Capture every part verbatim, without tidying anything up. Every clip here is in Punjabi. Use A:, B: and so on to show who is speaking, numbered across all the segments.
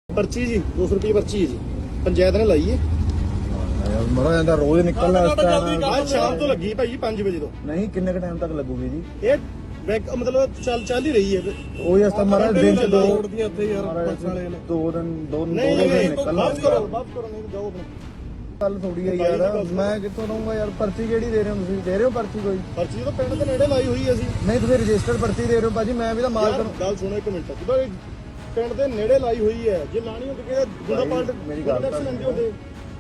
A: पर्ची जी दो सौ रुपये पर्ची है जी पंचायत ने लाई है
B: ਮਰਾ ਜਾਂਦਾ ਰੋਜ਼ ਨਿਕਲਣਾ ਇਸ ਟਾਈਮ
A: आज शाम तो लगी भाई पांच बजे तो
B: ਨਹੀਂ ਕਿੰਨੇ ਕ ਟਾਈਮ ਤੱਕ ਲੱਗੂਗੀ ਜੀ
A: ये बैक मतलब चल चल ही रही है
B: ਉਹ ਇਸ ਤਾਂ ਮਰਾ ਦਿਨ ਚ ਦੋ
A: दी आते यार पुलिस वाले ने
B: ਦੋ ਦਿਨ ਦੋ ਦੋ
A: नहीं
B: ਦਿਨ
A: नहीं
B: ਨਿਕਲਣਾ
A: वापस करो वापस करो नहीं तो जाओ अपने
B: ਗੱਲ ਥੋੜੀ ਹੈ ਯਾਰ ਮੈਂ ਕਿੱਥੋਂ ਦਊਂਗਾ ਯਾਰ ਪਰਚੀ ਕਿਹੜੀ ਦੇ ਰਹੇ ਹੋ ਤੁਸੀਂ ਦੇ ਰਹੇ ਹੋ ਪਰਚੀ ਕੋਈ
A: पर्ची तो पिंड के नेड़े लाई हुई है ਅਸੀਂ
B: ਨਹੀਂ ਤੁਸੀਂ ਰਜਿਸਟਰਡ ਪਰਚੀ ਦੇ ਰਹੇ ਹੋ ਭਾਜੀ ਮੈਂ ਵੀ ਤਾਂ ਮਾਲਕ ਨੂੰ
A: ਗੱਲ ਸੁਣੋ ਇੱਕ ਮਿੰਟ ਜਦੋਂ ਇਹ ਪਿੰਡ ਦੇ ਨੇੜੇ ਲਾਈ ਹੋਈ ਹੈ ਜੇ ਲਾਣੀ ਹੁੰਦੀ ਕਿ ਗੁੰਡਾ ਪਾਲਟ
B: ਮੇਰੀ ਗੱਲ
A: ਟੈਕਸ ਲੈਂਦੇ ਹੁੰਦੇ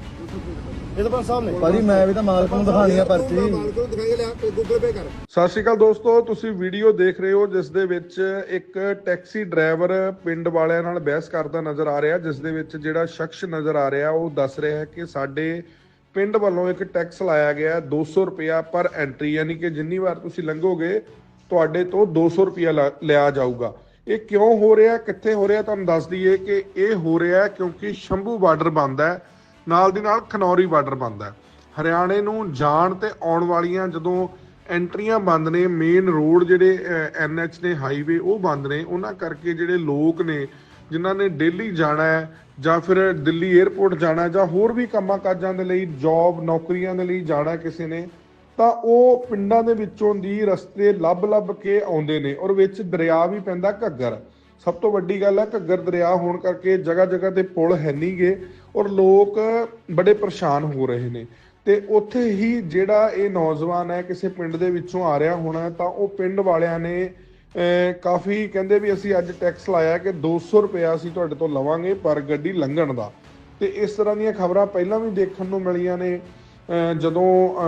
A: ਇਹ ਤਾਂ ਸਾਹਿਬ ਨੇ
B: ਭਾਜੀ ਮੈਂ ਵੀ ਤਾਂ ਮਾਲਕ ਨੂੰ ਦਿਖਾਣੀ ਆ ਪਰਚੀ
A: ਮਾਲਕ ਨੂੰ ਦਿਖਾਈ ਲਿਆ ਗੂਗਲ ਪੇ ਕਰ
C: ਸਤਿ ਸ਼੍ਰੀ ਅਕਾਲ ਦੋਸਤੋ, ਤੁਸੀਂ ਵੀਡੀਓ ਦੇਖ ਰਹੇ ਹੋ ਜਿਸ ਦੇ ਵਿੱਚ ਇੱਕ ਟੈਕਸੀ ਡਰਾਈਵਰ ਪਿੰਡ ਵਾਲਿਆਂ ਨਾਲ ਬਹਿਸ ਕਰਦਾ ਨਜ਼ਰ ਆ ਰਿਹਾ, ਜਿਸ ਦੇ ਵਿੱਚ ਜਿਹੜਾ ਸ਼ਖਸ ਨਜ਼ਰ ਆ ਰਿਹਾ ਉਹ ਦੱਸ ਰਿਹਾ ਹੈ ਕਿ ਸਾਡੇ ਪਿੰਡ ਵੱਲੋਂ ਇੱਕ ਟੈਕਸ ਲਾਇਆ ਗਿਆ ਦੋ ਸੌ ਰੁਪਇਆ ਪਰ ਐਂਟਰੀ, ਯਾਨੀ ਕਿ ਜਿੰਨੀ ਵਾਰ ਤੁਸੀਂ ਲੰਘੋਗੇ ਤੁਹਾਡੇ ਤੋਂ ਦੋ ਸੌ ਰੁਪਇਆ ਲਿਆ ਜਾਊਗਾ। ਇਹ ਕਿਉਂ ਹੋ ਰਿਹਾ, ਕਿੱਥੇ ਹੋ ਰਿਹਾ, ਤੁਹਾਨੂੰ ਦੱਸ ਦਈਏ ਕਿ ਇਹ ਹੋ ਰਿਹਾ ਕਿਉਂਕਿ ਸ਼ੰਭੂ ਬਾਰਡਰ ਬੰਦ ਹੈ, ਨਾਲ ਦੀ ਨਾਲ ਖਨੌਰੀ ਬਾਰਡਰ ਬੰਦ ਹੈ। ਹਰਿਆਣੇ ਨੂੰ ਜਾਣ ਤੇ ਆਉਣ ਵਾਲੀਆਂ ਜਦੋਂ ਐਂਟਰੀਆਂ ਬੰਦ ਨੇ, ਮੇਨ ਰੋਡ ਜਿਹੜੇ ਐਨ ਐਚ ਨੇ, ਹਾਈਵੇ ਉਹ ਬੰਦ ਨੇ, ਉਹਨਾਂ ਕਰਕੇ ਜਿਹੜੇ ਲੋਕ ਨੇ ਜਿਨ੍ਹਾਂ ਨੇ ਡੇਲੀ ਜਾਣਾ ਹੈ ਜਾਂ ਫਿਰ ਦਿੱਲੀ 에ਅਰਪੋਰਟ ਜਾਣਾ ਜਾਂ ਹੋਰ ਵੀ ਕੰਮਾਂ ਕਾਜਾਂ ਦੇ ਲਈ, ਜੌਬ ਨੌਕਰੀਆਂ ਦੇ ਲਈ ਜਾਣਾ ਕਿਸੇ ਨੇ, ਤਾਂ ਉਹ ਪਿੰਡਾਂ ਦੇ ਵਿੱਚੋਂ ਦੀ ਰਸਤੇ ਲੱਭ ਲੱਭ ਕੇ ਆਉਂਦੇ ਨੇ। ਔਰ ਵਿੱਚ ਦਰਿਆ ਵੀ ਪੈਂਦਾ ਘੱਗਰ। ਸਭ ਤੋਂ ਵੱਡੀ ਗੱਲ ਹੈ ਘੱਗਰ ਦਰਿਆ ਹੋਣ ਕਰਕੇ ਜਗ੍ਹਾ ਜਗ੍ਹਾ ਤੇ ਪੁਲ ਹੈ ਨਹੀਂ ਗੇ ਔਰ ਲੋਕ ਬੜੇ ਪਰੇਸ਼ਾਨ ਹੋ ਰਹੇ ਨੇ। ਤੇ ਉੱਥੇ ਹੀ ਜਿਹੜਾ ਇਹ ਨੌਜਵਾਨ ਹੈ ਕਿਸੇ ਪਿੰਡ ਦੇ ਵਿੱਚੋਂ ਆ ਰਿਹਾ ਹੋਣਾ, ਤਾਂ ਉਹ ਪਿੰਡ ਵਾਲਿਆਂ ਨੇ ਕਾਫੀ ਕਹਿੰਦੇ ਵੀ ਅਸੀਂ ਅੱਜ ਟੈਕਸ ਲਾਇਆ ਕਿ ਦੋ ਸੌ ਰੁਪਇਆ ਅਸੀਂ ਤੁਹਾਡੇ ਤੋਂ ਲਵਾਂਗੇ ਪਰ ਗੱਡੀ ਲੰਘਣ ਦਾ। ਤੇ ਇਸ ਤਰ੍ਹਾਂ ਦੀਆਂ ਖਬਰਾਂ ਪਹਿਲਾਂ ਵੀ ਦੇਖਣ ਨੂੰ ਮਿਲੀਆਂ ਨੇ, ਜਦੋਂ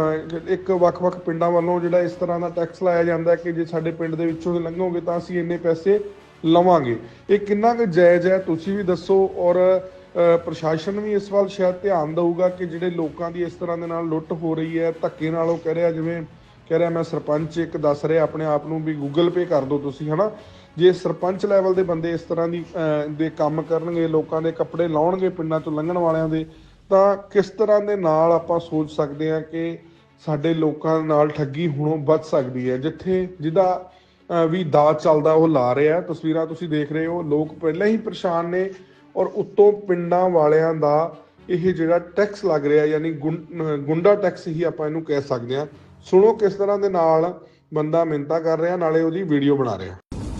C: ਇੱਕ ਵੱਖ-ਵੱਖ ਪਿੰਡਾਂ ਵੱਲੋਂ ਜਿਹੜਾ ਇਸ ਤਰ੍ਹਾਂ ਦਾ ਟੈਕਸ ਲਾਇਆ ਜਾਂਦਾ ਕਿ ਜੇ ਸਾਡੇ ਪਿੰਡ ਦੇ ਵਿੱਚੋਂ ਲੰਘੋਗੇ ਤਾਂ ਅਸੀਂ ਇੰਨੇ ਪੈਸੇ ਲਵਾਂਗੇ। ਇਹ ਕਿੰਨਾ ਕੁ ਜਾਇਜ਼ ਹੈ ਤੁਸੀਂ ਵੀ ਦੱਸੋ, ਔਰ ਪ੍ਰਸ਼ਾਸਨ ਵੀ ਇਸ ਵੱਲ ਸ਼ਾਇਦ ਧਿਆਨ ਦਊਗਾ ਕਿ ਜਿਹੜੇ ਲੋਕਾਂ ਦੀ ਇਸ ਤਰ੍ਹਾਂ ਦੇ ਨਾਲ ਲੁੱਟ ਹੋ ਰਹੀ ਹੈ, ਧੱਕੇ ਨਾਲ, ਉਹ ਕਹਿ ਰਿਹਾ ਜਿਵੇਂ ਕਹਿ ਰਿਹਾ ਮੈਂ ਸਰਪੰਚ ਇੱਕ ਦੱਸ ਰਿਹਾ ਆਪਣੇ ਆਪ ਨੂੰ ਵੀ ਗੂਗਲ ਪੇ ਕਰ ਦਿਓ ਤੁਸੀਂ, ਹੈ ਨਾ। ਜੇ ਸਰਪੰਚ ਲੈਵਲ ਦੇ ਬੰਦੇ ਇਸ ਤਰ੍ਹਾਂ ਦੀ ਦੇ ਕੰਮ ਕਰਨਗੇ, ਲੋਕਾਂ ਦੇ ਕੱਪੜੇ ਲਾਉਣਗੇ ਪਿੰਡਾਂ ਚੋਂ ਲੰਘਣ ਵਾਲਿਆਂ ਦੇ, ਤਾਂ ਕਿਸ ਤਰ੍ਹਾਂ ਦੇ ਨਾਲ ਆਪਾਂ ਸੋਚ ਸਕਦੇ ਹਾਂ ਕਿ ਸਾਡੇ ਲੋਕਾਂ ਨਾਲ ਠੱਗੀ ਹੁਣੋਂ ਬਚ ਸਕਦੀ ਹੈ। ਜਿੱਥੇ ਜਿਹਦਾ ਵੀ ਦਾਅ ਚੱਲਦਾ ਉਹ ਲਾ ਰਿਹਾ। ਤਸਵੀਰਾਂ ਤੁਸੀਂ ਦੇਖ ਰਹੇ ਹੋ, ਲੋਕ ਪਹਿਲਾਂ ਹੀ ਪਰੇਸ਼ਾਨ ਨੇ ਔਰ ਉੱਤੋਂ ਪਿੰਡਾਂ ਵਾਲਿਆਂ ਦਾ ਇਹ ਜਿਹੜਾ ਟੈਕਸ ਲੱਗ ਰਿਹਾ, ਯਾਨੀ ਗੁੰਡਾ ਟੈਕਸ ਹੀ ਆਪਾਂ ਇਹਨੂੰ ਕਹਿ ਸਕਦੇ ਹਾਂ। ਸੁਣੋ ਕਿਸ ਤਰ੍ਹਾਂ ਦੇ ਨਾਲ ਬੰਦਾ ਮਿੰਨਤਾਂ ਕਰ ਰਿਹਾ, ਨਾਲੇ ਉਹਦੀ ਵੀਡੀਓ ਬਣਾ ਰਿਹਾ।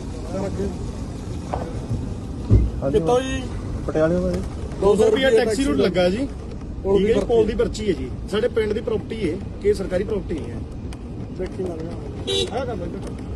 A: ਕਿੱਥੋਂ ਜੀ?
B: ਪਟਿਆਲੇ ਤੋਂ
A: ਦੋ ਸੌ ਰੁਪਏ ਟੈਕਸੀ ਰੂਟ ਲੱਗਾ ਜੀ, ਠੀਕ ਹੈ, ਪੋਲ ਦੀ ਪਰਚੀ ਹੈ ਜੀ, ਸਾਡੇ ਪਿੰਡ ਦੀ ਪ੍ਰਾਪਰਟੀ ਹੈ ਕਿ ਸਰਕਾਰੀ ਪ੍ਰਾਪਰਟੀ ਨਹੀਂ ਹੈ। ਦੇਖੀ ਲੱਗ ਰਿਹਾ ਆ ਕਰ ਲੈ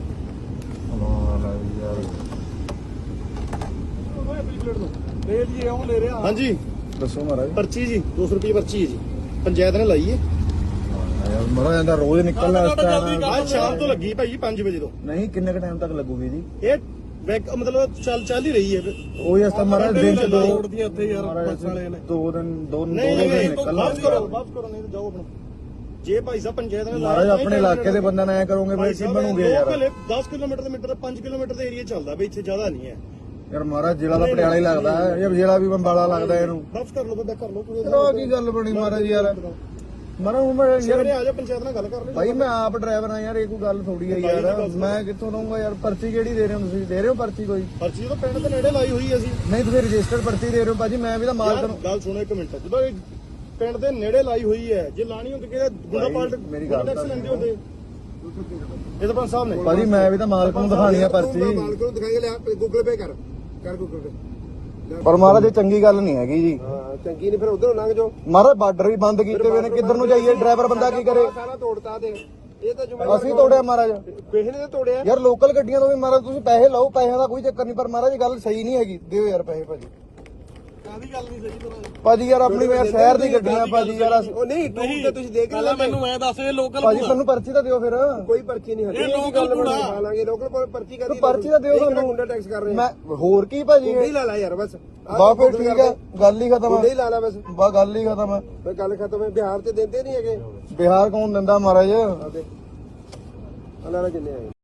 A: ਲੈ ਜੀ ਉਹ ਲੈ ਰਿਹਾ। ਹਾਂਜੀ
B: ਦੱਸੋ ਮਹਾਰਾਜ।
A: पर्ची जी दो सौ रुपये पर्ची है जी पंचायत ने लाई है
B: ਮਰਾ ਜਾਂਦਾ ਰੋਜ਼ ਨਿਕਲਣਾ ਇਸ ਟਾਈਮ
A: आज शाम तो लगी भाई पांच बजे तो
B: ਨਹੀਂ ਕਿੰਨੇ ਕ ਟਾਈਮ ਤੱਕ ਲੱਗੂਗੀ ਜੀ
A: ये बैक मतलब चल चल ही रही है
B: ਉਹ ਇਸ ਤਾਂ ਮਰਾ ਦਿਨ ਚ ਦੋ
A: दी आते यार पुलिस वाले ने
B: ਦੋ ਦਿਨ ਦੋ ਦੋ
A: नहीं
B: ਦਿਨ
A: नहीं
B: ਨਿਕਲਣਾ
A: वापस करो वापस करो नहीं तो जाओ अपने जे भाई साहब पंचायत ने
B: ਮਹਾਰਾਜ ਆਪਣੇ ਇਲਾਕੇ ਦੇ ਬੰਦਿਆਂ ਨਾਲ ਐ ਕਰੋਗੇ ਫਿਰ ਕੀ ਬਣੂਗੇ ਯਾਰ।
A: दस किलोमीटर मीटर पांच किलोमीटर ਦਾ ਏਰੀਆ ਚੱਲਦਾ ਬਈ, ਇੱਥੇ ਜ਼ਿਆਦਾ ਨਹੀਂ ਹੈ
B: ਯਾਰ ਮਹਾਰਾਜ ਜ਼ਿਲ੍ਹਾ ਦਾ ਪਟਿਆਲਾ ਹੀ ਲੱਗਦਾ ਹੈ ਜਾਂ ਜ਼ਿਲ੍ਹਾ ਵੀ ਬੰਬਾਲਾ ਲੱਗਦਾ ਇਹਨੂੰ।
A: ਵਾਪਸ ਕਰ ਲਓ ਬੰਦਾ, ਕਰ ਲਓ ਕੋਈ
B: ਚਲੋ ਕੀ ਗੱਲ ਬਣੀ ਮਹਾਰਾਜ ਯਾਰ। ਮਰਾ ਹੁਣ ਮੈਂ
A: ਯਾਰ ਆ ਜਾ ਪੰਚਾਇਤ ਨਾਲ ਗੱਲ ਕਰ ਲੈ
B: ਭਾਈ ਮੈਂ ਆਪ ਡਰਾਈਵਰ ਆ ਯਾਰ, ਇਹ ਕੋਈ ਗੱਲ ਥੋੜੀ ਹੈ ਯਾਰ। ਮੈਂ ਕਿੱਥੋਂ ਦਊਂਗਾ ਯਾਰ ਪਰਚੀ ਕਿਹੜੀ ਦੇ ਰਹੇ ਹੋ ਤੁਸੀਂ? ਦੇ ਰਹੇ ਹੋ ਪਰਚੀ ਕੋਈ?
A: ਪਰਚੀ ਤਾਂ ਪਿੰਡ ਦੇ ਨੇੜੇ ਲਾਈ ਹੋਈ ਹੈ ਅਸੀਂ।
B: ਨਹੀਂ ਤੁਸੀਂ ਰਜਿਸਟਰਡ ਪਰਚੀ ਦੇ ਰਹੇ ਹੋ ਭਾਜੀ, ਮੈਂ ਵੀ ਤਾਂ ਮਾਲਕ ਨੂੰ।
A: ਗੱਲ ਸੁਣੋ ਇੱਕ ਮਿੰਟ, ਜਦੋਂ ਇਹ ਪਿੰਡ ਦੇ ਨੇੜੇ ਲਾਈ ਹੋਈ ਹੈ, ਜੇ ਲਾਣੀ ਹੁੰਦੀ ਕਿ ਗੁੰਡਾ ਪਾਲਟ
B: ਮੇਰੀ ਗੱਲ
A: ਟੈਕਸ ਲੈਂਦੇ ਹੁੰਦੇ ਇਹ ਤਾਂ ਸਾਹਿਬ ਨੇ।
B: ਭਾਜੀ ਮੈਂ ਵੀ ਤਾਂ ਮਾਲਕ ਨੂੰ ਦਿਖਾਣੀ ਆ ਪਰਚੀ।
A: ਮਾਲਕ ਨੂੰ ਦਿਖਾਈ ਲਿਆ ਗੂਗਲ ਪੇ ਕਰ ਕਰ ਗੂਗਲ ਪੇ।
B: ਪਰ ਮਹਾਰਾਜ ਇਹ ਚੰਗੀ ਗੱਲ ਨਹੀਂ ਹੈਗੀ ਜੀ।
A: ਹਾਂ ਚੰਗੀ ਨਹੀਂ, ਫਿਰ ਉਧਰੋਂ ਲੰਘ ਜਾਓ।
B: ਮਹਾਰਾਜ ਬਾਰਡਰ ਵੀ ਬੰਦ ਕੀਤੇ ਹੋਏ ਨੇ, ਕਿੱਧਰ ਨੂੰ ਜਾਈਏ? ਡਰਾਈਵਰ ਬੰਦਾ ਕੀ ਕਰੇ?
A: ਸਾਰਾ ਤੋੜਤਾ ਤੇ ਇਹ ਤਾਂ ਜ਼ਿੰਮੇਵਾਰ
B: ਅਸੀਂ ਤੋੜਿਆ ਮਹਾਰਾਜ,
A: ਕਿਸੇ ਨੇ ਤਾਂ ਤੋੜਿਆ
B: ਯਾਰ ਲੋਕਲ ਗੱਡੀਆਂ ਤੋਂ ਵੀ ਮਹਾਰਾਜ ਤੁਸੀਂ ਪੈਸੇ ਲਓ, ਪੈਸਿਆਂ ਦਾ ਕੋਈ ਚੱਕਰ ਨਹੀਂ, ਪਰ ਮਹਾਰਾਜ ਗੱਲ ਸਹੀ ਨਹੀਂ ਹੈਗੀ। ਦਿਓ ਯਾਰ ਪੈਸੇ ਭਾਜੀ।
A: ਕਾਹਦੀ ਗੱਲ ਨਹੀਂ ਸਹੀ ਤਰ੍ਹਾਂ
B: ਭਾਜੀ ਯਾਰ ਆਪਣੀ ਮੈਂ ਸ਼ਹਿਰ ਦੀ ਗੱਡੀਆਂ ਭਾਜੀ ਯਾਰ।
A: ਉਹ ਨਹੀਂ ਟੂਰ ਤੇ ਤੁਸੀਂ ਦੇਖ ਲੈ, ਮੈਨੂੰ ਮੈਂ ਦੱਸ ਇਹ ਲੋਕਲ
B: ਭਾਜੀ ਤੁਹਾਨੂੰ ਪਰਚੀ ਤਾਂ ਦਿਓ ਫਿਰ।
A: ਕੋਈ ਪਰਚੀ ਨਹੀਂ ਹੱਲੀ, ਇਹ ਲੋਕਲ ਬਣਾ ਲਾਂਗੇ। ਲੋਕਲ ਕੋਲ ਪਰਚੀ ਕਰਦੀ,
B: ਪਰਚੀ ਤਾਂ ਦਿਓ ਸਾਨੂੰ।
A: ਗੁੰਡਾ ਟੈਕਸ ਕਰ ਰਹੇ
B: ਮੈਂ ਹੋਰ ਕੀ ਭਾਜੀ?
A: ਗੁੰਡਾ ਹੀ ਲਾ ਲਾ ਯਾਰ ਬਸ।
B: ਬਾ ਫਿਰ ਠੀਕ ਹੈ, ਗੱਲ ਹੀ ਖਤਮ
A: ਗੁੰਡਾ ਹੀ
B: ਹੈ।
A: ਲਾ ਲਾ ਬਸ,
B: ਬਾ ਗੱਲ ਹੀ ਖਤਮ ਹੈ।
A: ਬਈ ਗੱਲ ਖਤਮ ਹੈ। ਬਿਹਾਰ ਤੇ ਦਿੰਦੇ ਨਹੀਂ ਹੈਗੇ।
B: ਬਿਹਾਰ ਕੌਣ ਦਿੰਦਾ ਮਹਾਰਾਜ?
A: ਅੱਲਾ ਨਾਲ ਜਿੰਨੇ ਆਏ।